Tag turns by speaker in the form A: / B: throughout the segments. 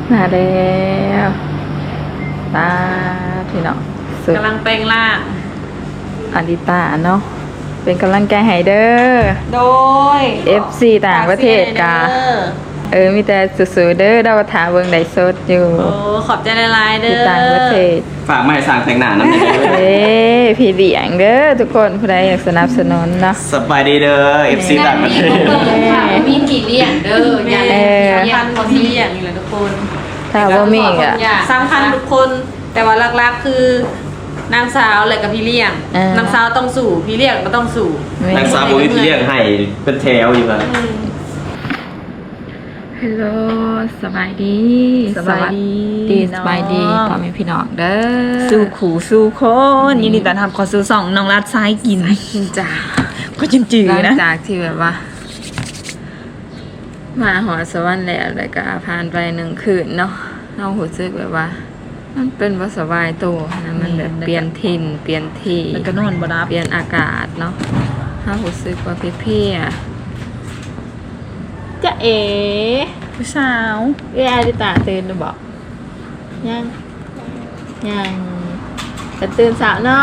A: มาแล้วตาพี่น้องสุด
B: กำลังแปลงร่าง
A: อาริตาเนาะเป็นกำลังใจให้เด้อ
B: โดย
A: FC ต่างประเทศกามีแต่สู้ๆเด้อดาวถาเบิ่งได้สดอยู่
B: โอ้ขอบใจหลายๆเด้
A: ที่
B: อ
A: ต่างประเทศ
C: ฝากมาให้สร้างแต่งหน้าน้ำหนึ่ง
A: เอ้พี่เลี้ยงเด้อทุกคนผู้ใดอยากสนับสนุนเนาะ
C: สบายดีเด้อ FC ต่างประเทศ
D: มีกี่เลี้ยงเด้ออย่า
A: เออ
B: สำคัญคนที่อย่างนี้แหละทุกคน
A: ถ้าบ่มีก็
B: สำคัญทุกคน แต่ว่าหลักๆคือนางสาวและกับพี่เลี้ยง นางสาวต้องสู่พี่เลี้ยงก็ต้องสู่
C: นางสาวบุวิที่เรียกให้เป็นแถวอยู่ครับ
A: ฮัลโหลสบายดี
D: สบายดี
A: สบายดีพ่อแม่พี่น้องเด้อ
D: สู้ขู่สู้คนยินดีต้อนรับเขอสู่สองน้องรัดซ้ายกิน
A: กินจ้า
D: ก็จืด
A: หลัง
D: ๆนะ
A: จากที่แบบว่า มาหอสวรรค์แล้วก็ผ่านไป1 คืนเนาะเราหูซึกแบบว่า มันเป็นบ่สบายตัวนะมันแบบเปลี่ยนถิ่นเปลี่ยนที่
D: แล้วก็นอนบ่รับ
A: เปลี่ยนอากาศเนาะเราหูซึกว่าเพลีย
D: จะเอ๋ผู้สาว
A: ๆอาริตาตื่นหรือบ่ยังจะตื่นสาวเนาะ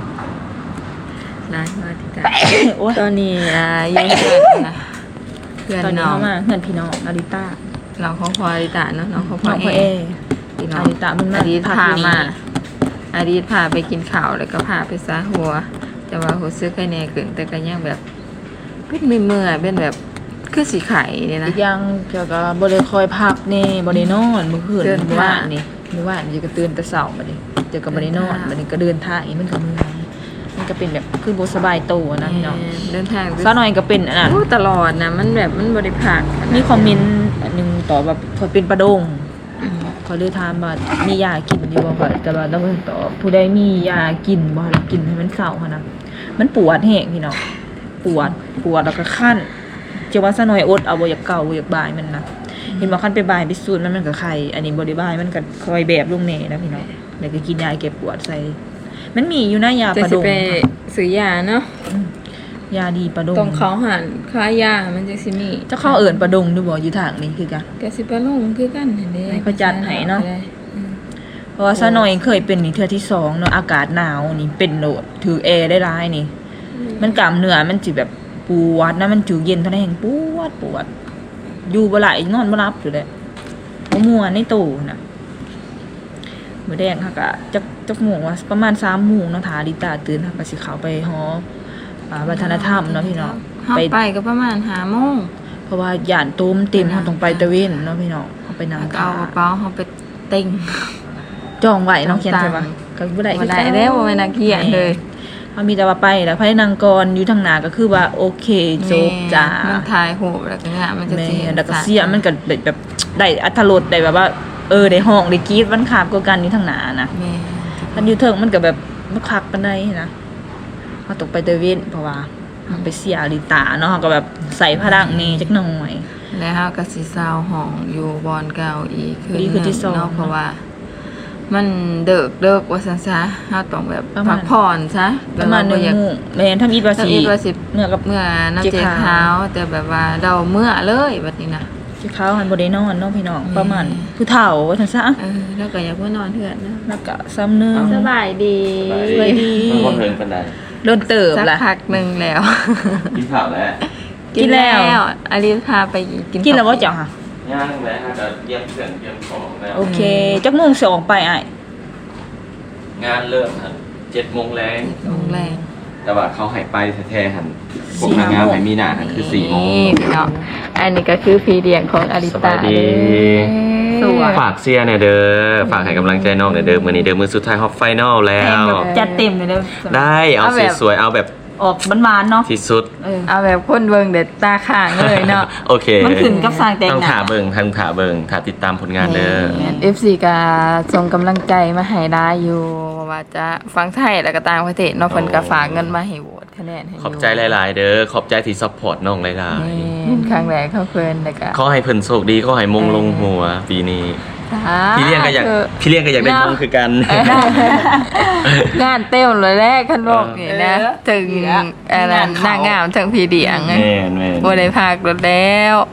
A: ได้มาที่ตา
D: โอ้ย
A: ตอนนี้อยู่เพื่อนนะเพื่อน
D: ตอนนี้
A: น้อง
D: เข้ามาเพื่อนพี่น้องนาริต้า
A: น้องของพออาริตาเนาะน้องของพ
D: น้
A: อ
D: องพ่อ
A: เอ
D: เอ
A: พี่น้อง
D: อาริตามันมา
A: อาริต
D: พัก
A: พา
D: อยู่นี่
A: มาอาริตพาไปกินข้าวแล้วก็พาไปซะหัว แต่ว่าหัวซื้อไข่แน่เกินแต่ก็ยังแบบเป็นเมื่อยๆเป็นแบบคือสีไข่เนี่ยนะ
D: อีกอย่างเกี่ยวกับบริคอยพักนี่บริโนอนเมื่อคืน
A: เดิน
D: เมื่อวาน
A: ทาง
D: นี่เมื่อวานจะก็ตื่นแต่เสาร์มาดิเจอกับบริโนอน
A: เดินทาง
D: บัดนี้ก็เดินทางอีกมันก็เมื่อยมันก็เป็นแบบคือบ่สบายตัวนะพี่น้อง
A: เดินทาง
D: ซะหน่อยก็เป็นอันนั้น
A: ตลอดนะมันแบบมันบริพัก
D: มีคอมเมนต์อันหนึงตอบว่าคอยเป็นประดงเขาเลยถามว่ามียากินอยู่บ่ค่ะแต่ว่าเราก็ตอบผู้ใดมียากินบ่ล่ะกินให้มันเศร้าค่ะนะมันปวดแห้งพี่น้องปวดแล้วก็คั่นเจ้าว่าซะหน่อยอดเอาบ่อยากเก่าบ่อยากบายมันนะเห็นว่าคันไปบายไปสูดมันก็ไข้อันนี้บ่ได้บายมันก็คอยแบบลงแน่นะพี่น้องแล้วก็กินยาแก้ปวดใส่มันมีอยู่นะยา
A: จะ
D: ประด
A: สิ
D: ง
A: ไป
D: ค่ะ
A: ซื้อยาเนาะ
D: ยาดีประดง
A: ตรงเขาหันค้ายามันจะสิมี
D: เจ้าเข้าเอิ้นประดงดูบ่อยู่ทางนี้คือกัน
A: กสิไปลงคือกันเห็นเด้
D: ให้เขาจัดให้เนาะ
A: ได้
D: เพราะว่าซะหน่อยเคยเป็นนี่เทื่อที่2เนาะอากาศหนาวนี่เป็นโหลดถือแอร์ได้ร้ายนี่ มันกล้ามเนื้อมันสิแบบปวดนะมันจูเย็นเท่านั้นเองปวดอยู่บ่หลายนอนบ่หลับอยู่เลยบ่ม่วนในตู้น่ะมื้อแดงค่ะก็จักโมงว่าประมาณ3โมงเนาะถ้าลิตาตื่นค่ะก็สิเข้าไปหอวัฒนธรรมเนาะพี่น้อง
A: เฮาไปก็ประมาณ5 โมง
D: เพราะว่าย่านตูมเต็มเฮาต้องไปตะเวนเนาะพี่น้องเอาไปนำ
A: เอากระเป๋าเฮาไปเต็ง
D: จองไว้เนาะเขียนใช่ปะก็บ่ได้
A: บ่ได้แล้วบ่แม่นนักเขียนเลย
D: เขามีแต่ว่าไปแล้วภายในนางกรอยู่ทางหน้าก็คือว่าโอเคจบจ้า
A: มันถ่ายรูปแล้วก็งามมันจะ
D: แม่
A: สิเห็น
D: แล้วก็เสียงมันก็แบบได้อรรถรสได้แบบว่าได้ห้องได้กรี๊ดมันขาบกว่ากันอยู่ทางหน้านะ
A: แม่
D: คันอยู่เทิงมันก็แบบบ่คักปานใดนะเฮาตกไปตะเวนเพราะว่าเราไปเสียลิตาเนาะเราก็แบบใส่พลังนี่จักหน่อย
A: แล้วเฮาก็สิเซาห้องอยู่บอนเก่าอีก
D: อีกคืนที่สอง
A: เนาะเพราะว่า มันเดิกว่าซั่นซะเฮาต้องแบบ
D: ประมาณ
A: พักผ่อนซะ
D: ประมาณ
A: แบบว่บ่อยาก
D: 1โมงแม่นถ้ามีภา
A: ถ้า
D: ษี
A: อีกว่าสิ
D: เมื่อกับ
A: เมื่อน้ำ
D: เจ๊
A: เจ๊
D: ขาว
A: ขาวแต่แบบว่าเราเมื่อเลยบัดนี้นะ
D: สิเขาหันบ่ได้นอนเนาะพี่น้อง
A: แม่
D: ประมาณผู้เฒ่าว่าซั่นซะ
A: แล้วก็อยากเมื่อนอนเถื่อนนะ
D: แล้วก็ซ้ำหนึง
A: สบายดี
D: สบายดี
C: มันก็เพิ่งเป็นไร
D: โดนเติบ
A: สัก
D: ล่ะ
A: พักหนึงแล้ว
C: กินข้าวแล้ว
D: กินแล้ว
A: อลิสพาไปกิน
D: กินแล้วบ่เจ้าค่ะ
C: ย่างแล้วฮะจะเยี่ยมเพื่อนเยี่ยมของแล้ว
D: โอเคจักโมงสิออกไปอ้าย
C: งานเริ่มครับ7 โมงแรง
A: โรงแรม
C: แต่ว่าเขาใหายไปแท้ๆหันพวกนางงามใหายมีหน้าหันคือ4 โมง
A: นี่พี่น้องอันนี้ก็คือพีเดียงของอลิ
C: ส
A: ตา
C: บายดี
A: สวย
C: ฝากเสียเนี่ยเด้อฝากให้กำลังใจน้องเนี่ยเด้อมื้อนี้เด้อมื้อสุดท้ายฮอปไฟนอลแล้ว
D: จัดเต็มเลยเด้อ
C: ได้เอา
A: เอาแบบ
C: สวยๆเอาแบบ
D: ออกหวานๆเนาะ
C: ที่สุด
A: เอาแบบคนเบิ่งเด็ดตาข้างเลยเนาะ
C: โอเค
D: มันขึ้นกับสร้างแต่ง
C: ต้อง
D: หน้า
C: ถ่าเบิ่งถ่าติดตามผลงานเด้อ
A: FC ก็ส่งกำลังใจมาให้ได้อยู่ว่าจะฟังไทยแล้วก็ต่างประเทศเนาะเพิ่นก็ฝากเงินมาให้โหวตคะแนนให้ยู่
C: ขอบใจหลาย ๆ เด้อขอบใจที่ซัพพอร์ตน้องหลาย
A: นี่ครั้งแรกเขาเพิ่นแล้วก็
C: ๆขอให้เพิ่นโชคดีขอให้มงลงหัวปีนี้ พี่เลี้ยงก็อยาก
A: คือ
C: พี่เลี้ยงก็อยากได้มงคือกัน
A: งานเต็มเลยแรกคันบอกนี่นะ ถึงอันนั้นนางงามทั้งพี่เดียง
C: แม่น
A: บ่ได้พากรถแล้ว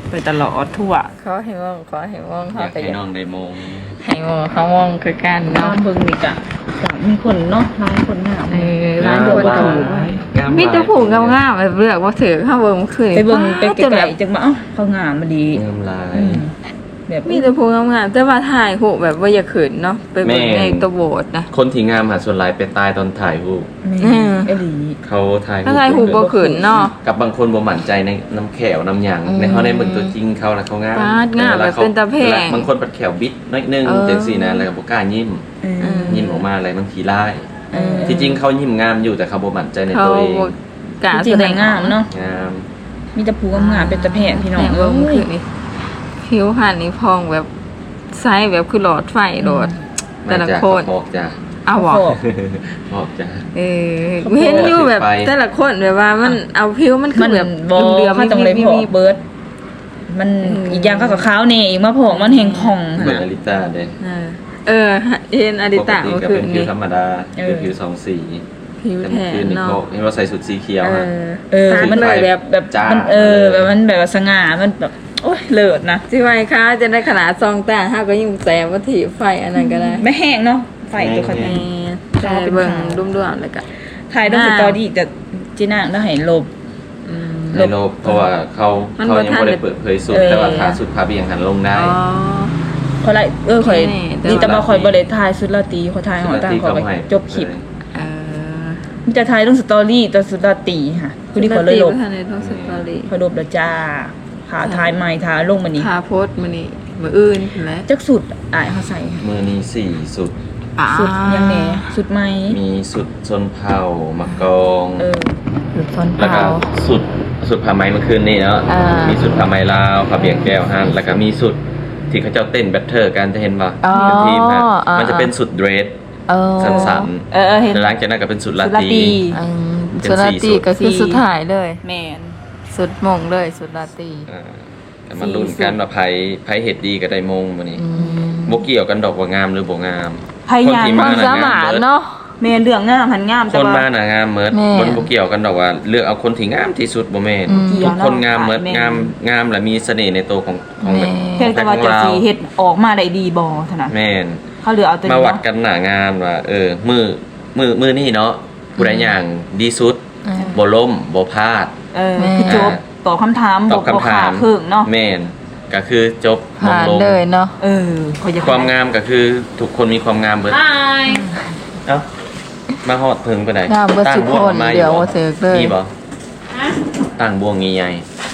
D: ไปตลอดทั่ว
A: เขาให้มองเขา
C: อยาก
A: ก็
C: ให้น้องได้มง
A: ให้มองเขามองคือกัน
D: น้อ
A: เนาะ
D: งเบิ่งนี่กะมีคนเนาะหลายคนงาม
A: ร้านคน
D: ถู
A: มีแต่ผูกงามๆแบบเลือกว่าถือข้าวเบิ่งคืน
D: ไปเบิ่งไป
A: จน
D: ไกล
A: แบบ
D: ๆจังว่าเอ้าเขางามมาดี
C: งามลาย
D: อืมแบบ
A: มีแต่ผูกงามๆแต่ว่าถ่ายหูแบบว่าอย่าขืนเนาะไปเบิ่งในตัวโบสถ์นะ
C: คนที่งามหาส่วนหลายไปตายตอนถ่ายรูป
D: แม่เอหลี
C: เขาถ่าย
A: ถ้าถ่ายหูบ่ขืนเนาะ
C: กับบางคนบ่หมั่นใจในน้ำแขวน้ำหยางในเขาได้เบิ่งตัวจริงเขาแล้วเขางาม
A: ปาดงามแบบเป็นตาแพง
C: บางคนปัดแขวบิดน้อยนึงจังซี่นะแล้วก็บ่กล้ายิ้ม ยิ้มออกมาอะไรบางทีร้าย ที่จริงเขายิ้มงามอยู่แต่เขาบ่มั่นใจใน
A: เขา
C: ตัวเอง
A: บ่กล้า
D: จริ
A: แส
D: ง
A: ดง
D: ๆงามเนาะ
C: งาม
D: มีแต่ผู้งามๆเป็นตะแพงพี่น้อง
A: เบิ่งคือนี่ผิวพรรณนี่พองแบบไซส์แบบคือหลอดไฟโดดแต่ละคน
C: มาจากกระบอกจ้ะ
A: เอาบ่
C: บอกจ้ะ
A: เห็นอยู่แบบ
C: ไป
A: แต่ละคนแบบว่ามันเอาผิวมันคื
D: มั
A: อน แบบ
D: บ่
A: เดือม
D: เขาต้องเลยพอกเบิร์ดมันอีกอย่างก็กับขาวแน่อีกมาพอกมันแหงผ่อง
C: เหมือน
D: หั่
C: อน ลิต้าเด้
A: เห็นอดิตะ
C: ปก
A: เมื่อ
C: ก็
A: คื
C: เป็น นผิ
A: นี้
C: วธรรมดาคือผิวสองสี
A: ผิว
C: แต่
A: แท
C: เมื่อคืน
A: น
C: นี่
A: เนาะ
C: เขาเห็นว่าใส่สุดสีเขียวอะ
D: มันแบบ
C: จ้า
D: มันแบบมันแบบว่าสง่ามันแบบโอ้ยเลิศนะ
A: สิไว้ค่ะจะได้ขนาดซองตาห้าก็ยิ่งแสบว่าถีไฟอันนั้นก็ได้
D: ไม่แห้งเนาะไฟตัวเขา
A: แห
D: เนี่ย
A: มแต่เบิ่งรุ่มๆแล้วก็
D: ถ่ายต้องสตอรี่แต่จีน่าต้องให้ลบ
C: ในโลกเพราะว่าเขา
A: มัน
C: เขา
A: บ่
C: ยัง
A: ทัน
C: ไม่ได้เปิดเผยสุด
D: เออ
C: แต่ว่าขาสุดพาเบียงหันลงได้
A: อ๋อ
D: เขาไล่ข่อย
A: นี่แต่
D: นี่แต่
A: ว่า
D: มาข่อยบ่ได้ถ่ายสุดราตรีเขาถ่ายหอต่างเขาไปจบคลิป
A: เออ
D: มันจะถ่ายต้องสตอรี่ตอนสุดราตรีค่ะคือที่เขาเลยลบ
A: ทันในท้องสตอรี่
D: เขาลบแล้วจ้าขาถ่ายใหม่ถ่ายลงมานี้
A: พาโพสต์มื้อนี้มื้ออื่นแหละ
D: จักสุดอายเขาใส่ค่ะ
C: มือนี้สี่สุด
D: สุดยังแหน่สุดไหม
C: มีสุดชนเผ่ามักกอง
A: หลุดซอน
C: แล้วก็
A: เผา
C: สุดผ้าไหมเมื่อคืนนี้เนาะ
A: อ่ามี
C: มีสุดผ้าไหมลาวผ้าเบียงแก้วฮันแล้วก็มีสุดที่เขาเจ้าเต้นแบทเทอร์กันจะเห็นป่ะ
A: อ๋อ
C: เป็นทีมฮะ
A: อ่ามั
C: มันจะเป็นสุดเดรส
A: เออ
C: สัน
D: เห็น
C: ๆแล้วหลังจากนั้นก็เป็นสุดลา
D: สุดรา
C: ต
D: ตรี
C: รี
A: อืม
C: เป็น
A: สุดราตรี
C: สี่สุด
A: ก็คือสุดท้ายเลย
D: แมน
A: สุดมงเลยสุดราตรี
C: แต่มันรุ่นกันว่าไผเห็ดดีกับไดมงมื้อนี้
A: อืม
C: บ่เกี่ยวกันดอกว่างามหรือบ่งาม
D: พยายาม
C: ที่
A: ความสามารถเนาะ
D: แมนเรื่องงามหันงาม
C: ค
D: แต่
C: น
D: ว่า
C: มาน่ะงามเมิด
A: แม่
C: บ่บ่เกี่ยวกันดอกว่าเลือกเอาคนที่งามที่สุดบ่แม่น
A: อืม
C: ทุกคนงามเมิด
D: แม่น
C: งามและมีเสน่ห์ในตัวของ
A: แม่
D: เพียงแต่ว่าจะสีเฮ็ดออกมาได้ดีบ่เท่านั้น
C: แม่น
D: เขาเหลือเอาตัว
C: มา
D: นี้
C: วัด
D: เนาะ
C: กันหน้างานว่ามือนี่เนาะผู้ใดอย่างดีสุด
A: อืม
C: บ่ล้มบ่พลาด
A: แม่
D: คือจบตอบคำถาม
C: ตอบคำถาม
D: บ่ขดเครื่องเนาะ
C: แม่นก็คือจบ
A: ผ่าน
C: ลง
A: เลยเนาะ
D: ขอยจะ
C: ความงามก็คือทุกคนมีความงามเบิด เอ้ามาฮอดถึงไปไหน
A: งามเบิดทุกคน
C: มาอ
A: เดี๋ยวว่าเสิร์ฟเลย
C: มีบ่ตั้งบวงงี้ใหญ่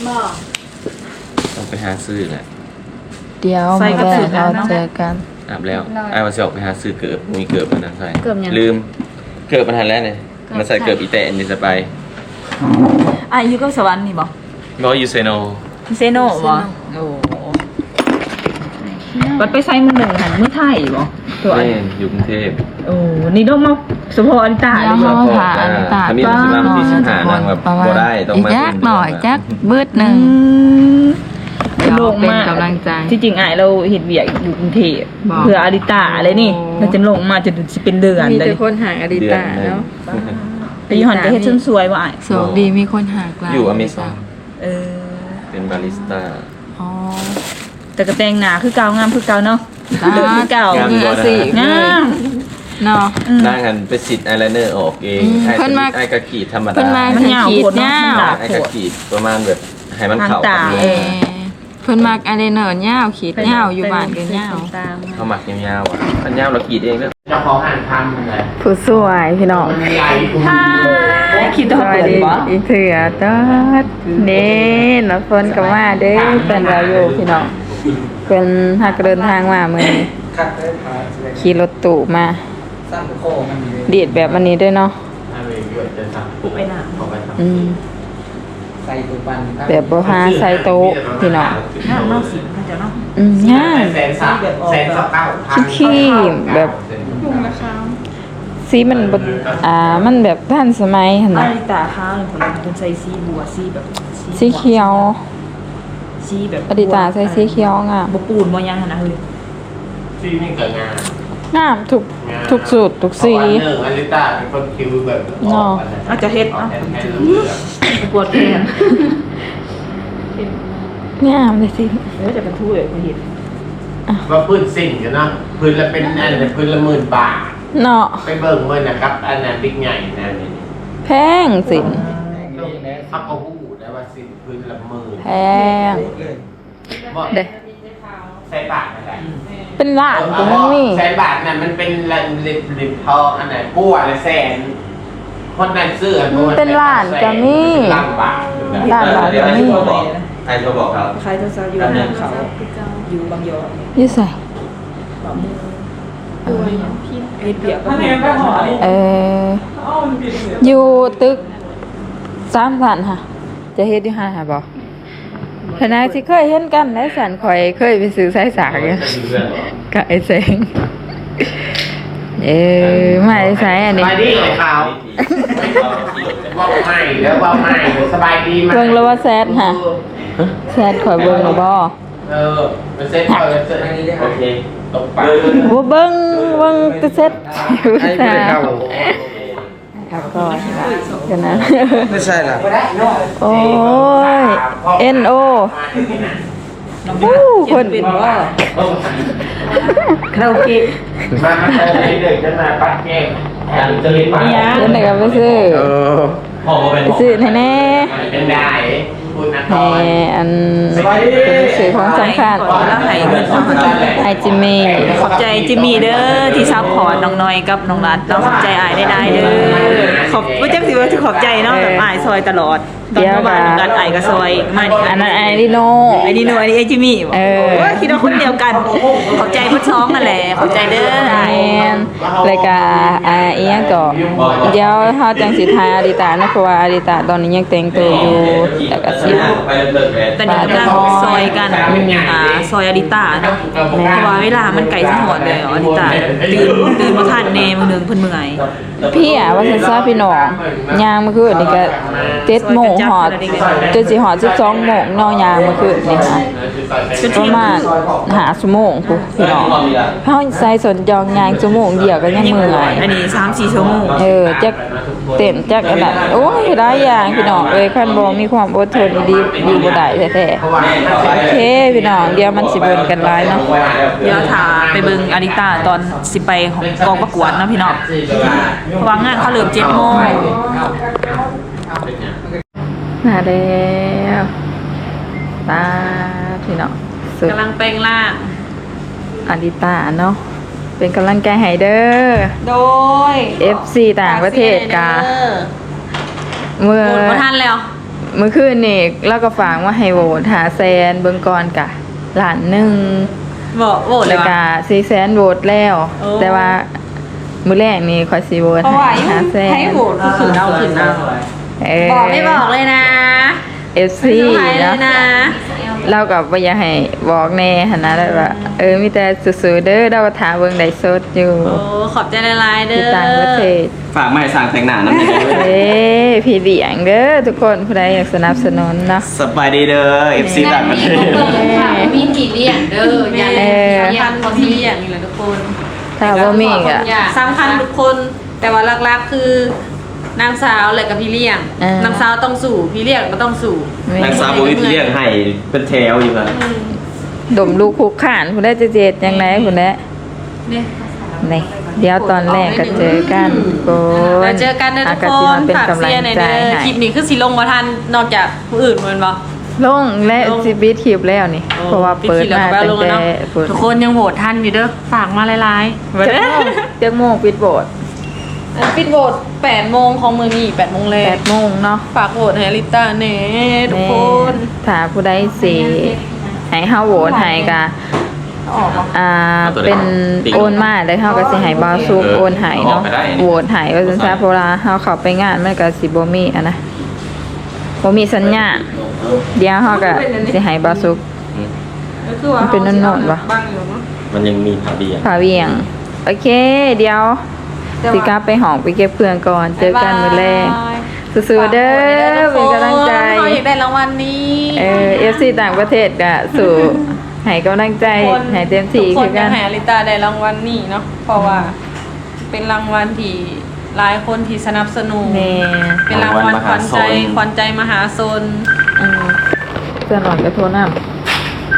C: ต้องไปหาซื้อแหละ
A: เดี๋ยว
D: ใส่
A: มา
D: กระ
A: แบ่
D: สุ
A: ง
D: น
A: เรา
D: แล้วเนาะ
A: เจอกัน
C: อาบแล้วไอ้ว่าสิออกไปหาซื้อเกิบมีเกิบอันนั้นใส่
D: เกิบหยัง
C: ลืมเกิบมันทันแล้วเนี่ยมันใส่เกิบอีแตะอันนี้จะไป
D: อยู่กับสวรรค์นี่บ่
C: บ่อยู่เซโน
D: เซโนบ่โอ้บัดไปใส่มือหนึ่งหันมือไทยบ่ตัวอัน
C: แม่นอยู่กรุงเทพ
D: โอ้นี่ต้องมาสุโภอริตา
A: เดี๋ยว
D: เลย
A: เขา
D: บ่
A: ผ่าอันตา
C: ถ้ามีมันสิมาวันที่15นางแบบ
A: ประมาณ
C: บ่ได้ต้องมา
A: อีกจักหน่อยจักเบิดหนึ่ง เดี๋ยว
D: โลงมาก
A: เป็นกำลังใจ
D: ที่จริงอ้ายเราเฮ็ดเวียกอยู่กรุงเทพ
A: บอก
D: เพื่ออริตาอะไรนี่เราจะลงมาจะสิเป็นเดือน
A: มี
D: เล
A: แต่
D: ย
A: คนห่างอดิ
C: เดือน
A: ตา
C: หนึง
A: เนาะ
D: ไปอยู่หันก็เฮ็ดจนสวยว่าอ้าย
A: โชคดีมีคนหากลาย
C: อยู่อเมซอน
D: เออ
C: เป็นบาริสต้า
A: อ๋อ
D: แต่ก็แต่งหน้าคือเก่างามคือเก่าเนาะเดินคือเก่าง
C: าม
A: มือสิ
D: งาม
A: เนาะ
C: นางหันไปสิทธิ์อายไลเนอร์ออกเอง
A: อืม
C: ไอ้
A: เพิ่นมา
C: ไอ้กะขีดธรรม
A: เพิ่
C: ดาน
A: มา
D: มันยาว
A: ขีด
D: โคตรเนาะ
A: ยา
D: มัน
A: ว
D: หนา
C: ไอ้กะขีดประมาณแบบให้มันเข้า
D: ทาง
C: กั
D: ตา
C: น
A: เออเพิ่นมักอะไรเนินยาวขีดยาวอยู่บ้านกันยาว
C: เขาหมักยาวๆอ่ะอันยาวเราขีดเองเด้อ
E: เจ้าของอ่านทำเลย
A: ผู้สวยพี่น้อง
E: มันมีไอ้คุณ
D: คิด
A: ส
D: ว่า
A: วัส
D: เปิด
A: ดี
D: บ่
A: อีกเถื่อตอดเด้น้องฝนก็มาเด้เป็นเราอยู่พี่น้องเป็นหักเดินทางมามื้อนี้
E: คัดได้พา
A: ขี่รถตู้มา
E: สั้นโคมันมี
A: ดีดแบบอันนี้ด้วยเนาะ
E: อะไรเยอะจะสั่ง
D: ไปหน้า
E: ขอไปท
A: อืม
E: ำใส่ตัวปัน
A: แบบบ่พาใส่โต๊ะพี่น้อง
D: หน้าเนาะสิมันจะเนาะ
A: ง่าย
E: แสนสับแสนสับเก้าพัน
A: ขี้แบบสีมันบ่มันแบบทันสมัยหั่น
D: อา
A: น่ะ
D: ริตาข้าวนี่คนใส่สีบัวสีแบบ
A: สีเขียว
D: สีแบบ
A: อดิตาใส่สีเขียวงาม
D: บ่ปูนบ่ยังหั่นนะเฮ้ย
E: ที่นี่เกิดงาน
A: งามทุกสูตรทุกสี
E: วันหนึ่งอลิต้าเป็นคนคิวแบบ
D: อาจจะเฮ็ดเนาะ
E: แทนเลือก
D: ปวดแขน
A: งามเลยสิ
D: จะเป็นทู่เลยคุณเห็น
E: ว่าพื้นสิ่งกันเนาะพื้นละเป็นอันละพื้นละ10,000 บาท
A: เนาะ
E: ไปเบิ่งเมื่อนะครับอันนั้นบิ๊กใหญ่นะนี่
A: แพงสิ
E: เขาก็หูได้ว่าสิ่งพื้นละ10,000
A: แพง
E: บ่
A: เด้
E: ใส่บาทอะไร
A: เป็นล้านก็มันมี
E: แสนบาทน่ะมันเป็นลิบทองอันไหนกู้อะไรแสนคนนั้นซื้ออันนู้
A: เป็นล้านก็มี
E: ล้านบาท
A: ล้านบาท
C: เดี๋ยว
A: ก็
C: ให้
A: มี
C: โทรบอกให้โทรบอกครับ
D: ใครจะซาอยู่ในเขาอยู่บางยอ
A: อยู่ใส่
D: บ่มือเฮ็ดเปียกก็มี
A: อยู่ตึก3ชั้นค่ะ จะเฮ็ดอยู่5ค่ะบ่ขณะที่เคยเห็นกันและสันข่อยเคยไปซื้อสายสากอยู่กับไอ้เสงมาไอ้สายอัน
E: ส
A: นี้
E: บายดีเลยเขาว่าไม่แล้วว่าไม่สบายดีไหม
A: เบิ่งแล้วว่าแซดค่ะแซดข่อยเบิ่งแล้วบ่
E: มันเซ็ตเขาเซ็ต
C: โอเค
E: ตรงปาก
A: บ่เบิ่งแต่เซ็ตครับก็กันนะ
E: ไม่ใช่ล่ะ
A: โอ้ย NO คน
D: เป็นว่า
A: คาราโอเกะ
E: มาเด็กจะมาปัดแก้มการจะเล่นมา
A: เล่นไหนกันไปซื้อ
C: พ่อมาเป็น
A: ไปซื้อแน่
E: เป็นได้คุณนะ
A: ๆให้อันเป็นสื่อของสำคัญ
B: แล้วให้เงิน
A: ไอจิมมี่
B: ขอบใจจิมมี่เด้อที่ซัพพอร์ตน้องน้อยกับน้องรัดน้องขอบใจอายได้เด้อขอบบ่จักสิว่าสิขอบใจเนาะแบบอายซอยตลอดตอนประมาณน้องรัดอายก็ซอยมานี่
A: อันนั้นไอริโน
B: ไอ้นี่หนูไอ้นี่ไอ้จิมมี่
A: เออ
B: ว่าคิดว่าคนเดียวกัน ขอบใจพุทท้องนั่นแหละขอบใจเด้อ
A: แมนรายการอีหยังก็เดี๋ยวเฮาจังสิทายอาริตานะเพราะว่าอาริตาตอนนี้ยังแต่งตัวอยู่แล้วก็สิ
C: ไปเลิกแหวน
B: ตอนนี้กำลังซอยกันซอยอาริตาเนาะเพราะว่าเวลามันไก่สะหอดเลยอาริตาตื่นมาทานเนมื้อนึงเพิ่นเมื่อย
A: พี่อ่ะว่าซั่นซะพี่น้องย่างเมื่อคืนนี่ก็7โมงฮอดจนสิฮอด12โมงเนาะย่างเมื่อคืนนี่ค่ะประมาณ5ชั่วโมงพุพี่น้องเฮาใส่สนจองย่างชั่วโมงเดียวก็ยังเมื่อย
B: อันนี้3-4ชั่วโมง
A: จักเต้นจักอันนั้นโอ้ยหลายอย่างพี่น้องเอ้ยคันบ่มีความอดทนดีอยู่บ่ได้แท้ๆโอเคพี่น้องเดี๋ยวมันสิเบิ่งกันหลายเนาะ
B: เดี๋ยวถ้าไปเบิ่งอาริตาตอนสิไปของกองประกวดเนาะพี่น้องเพราะว่างานเขาเริ่ม7โมง
A: มาแล้วตาพี่น้องสุด
B: กำลังแปลงร่าง
A: อาริตาเนาะเป็นกำลังใจให้เด้อ
B: โดย
A: FC ต่างประเทศกาเมื่อ
B: โหวตบ่ทันแล้ว
A: เมื่อคืนนี่เราก็ฝากว่าให้โหวตหาแซนเบิ่งก่อนกะล้านหนึง
B: บอกโหวตเล
A: แล้
B: ยว วะ
A: ก็400,000โหวตแล้ว
B: โอ้
A: แต่ว่ามื้อแรกนี่ขอยสิโหวต
B: เพราะว่า
A: ให้หาแซน
B: ให้โหวตคือขืนเอาขืนเอา บอกไม่บอกเลยนะ
A: FC
B: ไม่ต้องให้เล
A: เนาะ
B: ยนะ
A: เราก็บ่อยากให้บอกแน่หั่นนะแล้วว่ามีแต่สู้ๆเด้อเราก็ถามเบิ่งได้สดอยู่
B: โอ้ขอบใจละลายๆเด้
A: ที่
B: อ
A: ต่างประเทศ
C: ฝากไม้สร้างแต่งหน้านั่นเอง
A: เอ้พี่เลี้ยงเด้อทุกคนผู้ใดอยากสนับสนุนเนาะ
C: สบายดีเด้อ FC ต่างประเทศ
F: มีกี่เลี่ยงเด้ออย่า
A: เอ
F: เลี่ยง
A: อ
B: สำคัญคนที่อย่างนี้เลยทุกคน
A: ถ้าบ่มีก็
B: สำคัญทุกคน แต่ว่าหลักๆคือนางสาวและกับพี่เลี้ยง นางสาวต้องสู่พี่เลี้ยงก็ต้องสู่
C: นางสาวบุ้ยที่เรียกให้เป็นแถวอยู่ครับ
A: ดมลูกคุกขานผู้ใดจะเจ็ดจังไดผู้ใด
B: เนี่ย
A: นี่เดี๋ยวตอนแรกก็เจอกันทุกคน
B: แล้วเจอกันนะทุก
A: ก็
B: ค
A: สิ
B: น
A: มาเป็น
B: ฝาก
A: กำลั
B: เสี
A: ง
B: ยหน่อย
A: ใจ
B: เด้อ
A: ให้
B: คลิปนี้คือสิลงมาทันนอกจากผู้อื่นเหมือนบ่
A: ลงและสิบิดคลิปแล้วนี่ เพราะว่าเปิดมาตั้งแต่เปิด
B: ทุกคนยังโหวตทันอยู่เด้อฝากมาหลายๆ
A: จักโมงปิดโบส
B: ปิดโหวต8โมงของมื้อนี้8โมงแรก
A: 8โมงเนาะ
B: ฝากโหวตให้อลิต้าแหน่ทุกคน
A: ถ้าผู้ใดสิให้เฮาโหวตให้ก็เป็นโอนมาแล้วเฮาก็สิให้บ่าวซุกโอนให้เนาะโหวตให้ว่าซั่นซะเพราะว่าเฮาเข้าไปงานมันก็สิบ่มีอันนะบ่มีสัญญาณเดี๋ยวเฮาก็สิให้บ่าวซุก มันเป็นโน่นๆวะ
C: มันยังมีผาเบียง
A: ผาเวียง โอเค เดี๋ยวสิกลับไปห้องไปเก็บเพื่อนก่อน เจอกันมื้อแรกสู้ๆเด้อเป็นกำลังใจ
B: เขาอยากได้รางวัลนี้
A: FC ต่างประเทศก็สู่ให้กำลังใจให้เต็มที่
B: ทุกค
A: คื
B: น
A: อ
B: อ
A: กั
B: ยาก
A: น
B: ให้อลิต้าได้รางวัลนี้เนาะเพราะว่าเป็นรางวัลที่หลายคนที่สนับสนุน
A: แม่
B: เป็นรางวัลขวัญใจมหาชน
A: เพื่อนหลอนก็โทรนำ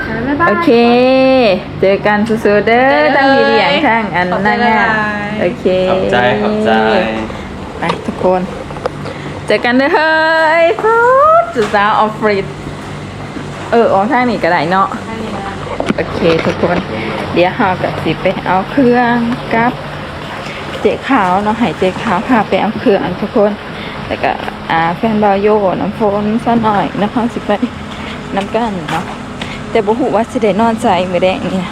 A: โอเค เจอกันสู้ๆเด้อทั้งพี่เลี้ยงทั้งอันนั่นเนี่ยโอเค
C: ขอบใจขอบใจ
A: ไปทุกคน เจอกันเด้อเฮ้ยฟูดสุดสาวออฟฟิศออกทางนี้ก็ได้เนาะโอเคทุกคน เดี๋ยวเรากับสิไปเอาเครื่องกับเจ๊ขาวเนาะให้เจ๊ขาวพาไปเอาเครื่องทุกคนแล้วก็แฟนบาวโยน้ำโฟนซะหน่อยนะคะสิไปน้ำกันเนาะแต่บ่ฮู้ว่าสิได้นอนใจมื้อแดงเนี่ย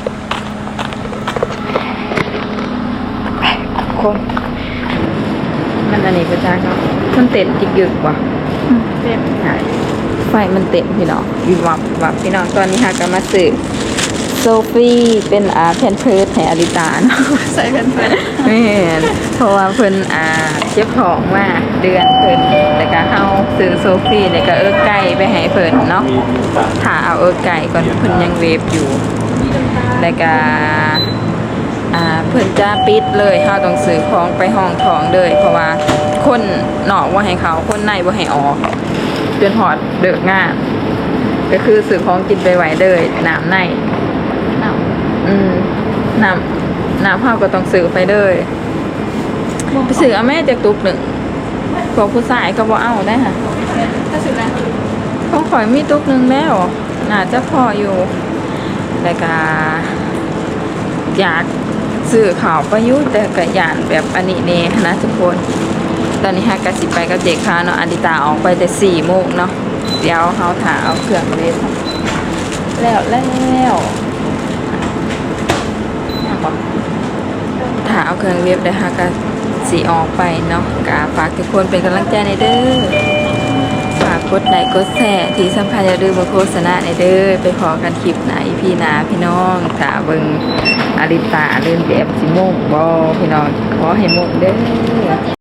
A: ไปทุกคนมันอันนี้ประจักเนาะมันเต็มจิกยึกว่ะเต็มใช่ไฟมันเต็มพี่น้องวิบวับวิบวับพี่น้องตอนนี้หากันมาซื้อโซฟี่เป็นแพนเพิร์สให้อลิตาเนาะใส่แพนเพิร์สไม่เห็นเพราะว่าเพิ่นเจ็บท้องมาเดือนเพิ่นแล้วก็เฮาซื้อโซฟี่แล้วก็ไก่ไปให้เพิ่นเนาะถ้าเอาไก่ก่อนเพิ่นยังเวฟอยู่แล้วก็เพิ่นจะปิดเลยเฮาต้องซื้อของไปห้องท้องเลยเพราะว่าคนนอกบ่ให้เขาคนในบ่ให้ออกจนฮอดเลิกงานก็คือซื้อของกินไปไว้เลยน้ำในน้ำเฮาก็ต้องซื้อไปเลยไปซื้อเอาแม่จากตุ๊กหนึ่งพวกผู้ชายก็บ่เอาได้ค่ะถ้าซื้อแล้วของข่อยมีตุ๊กหนึ่งแล้วน่าจะพออยู่แล้วก็อยากซื้อข่าวประยุทธ์แต่ก็ยานแบบอันนี้เนี่ยนะทุกคนตอนนี้ฮะกสิไปกับเด็กค่ะเนาะอดิตาออกไปแต่4 โมงเนาะเดี๋ยวเฮาถ่าเอาเครื่องเล่นแล้วถ้าเอาเครื่องเว็บได้ค่ะก็สีออกไปเนาะก็ฝากทุกคนเป็นกำลังใจในเด้อฝากกดไลค์กดแชร์ที่สำคัญอย่าลืมมาโฆษณาในเด้อไปขอกันคลิปไหนพี่นาพี่น้องถ้าเบิ่งอลิตาเล่นแบบสิโมงบ่พี่น้องขอให้โมงเด้อ